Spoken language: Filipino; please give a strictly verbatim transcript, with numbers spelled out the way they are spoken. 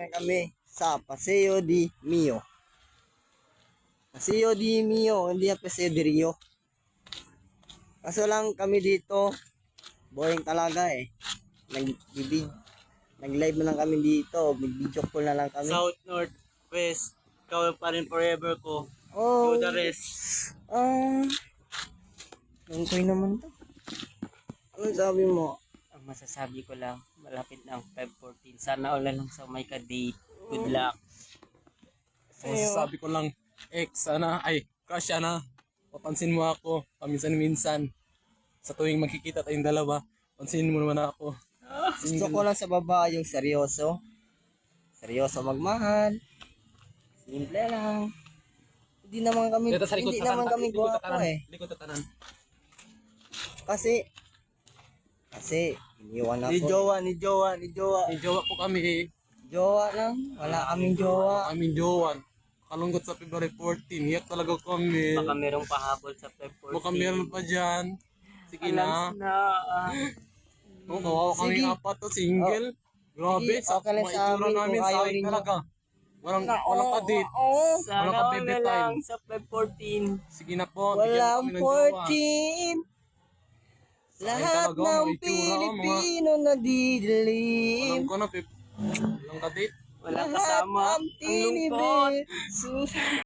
Kami sa Paseo di Mio. Paseo di Mio, hindi na Paseo di Rio. Kaso lang kami dito, boring talaga eh. Nag-bibig, nag-live na lang kami dito, mag-video call na lang kami. South, North, West, ikaw pa rin forever ko. Oh, You the rest. ah, ang koy naman to. Anong sabi mo? Ang masasabi ko lang, malapit na ang five fourteen. Sana all na lang sa may ka-date. Good luck. So, sabi ko lang, ex, sana, ay, crush, sana, papansin mo ako, paminsan-minsan. Sa tuwing magkikita tayong dalawa, pansinin mo naman ako. Gusto ko lang sa babae yung seryoso. Seryoso magmahal. Simple lang. Hindi naman kami, Dito sa likod, hindi sa naman tanan, kami likod, gwapo tatanan, eh. likod, tatanan. Kasi, kasi, iniwan Ni ako. Jowa, ni Jowa, ni Jowa. May jowa po kami eh. Jowa lang. Wala kaming jowa. Kaming jowan. Kalunggot sa February fourteen. Hiyak talaga kami. Baka merong pahabol sa five fourteen. Baka meron pa dyan. Sige na. Alans na. ah. Oh, kawawa kami Sige. apat to, single. Grabe, Sige, sa okay lang mga sa itsura amin namin, kung sa ayaw akin ninyo. talaga. Walang, walang kadit. Oo. Sana Wala ka all baby na time. lang sa five fourteen. Sige na po, bigyan mo Walang kami ng jowa. fourteen. Lahat talaga, mga ng itsura, Pilipino nadidilim. Alam ko na, pip. Walang kadit. Walang Lahat kasama. ng Ang lungkot. tinibig.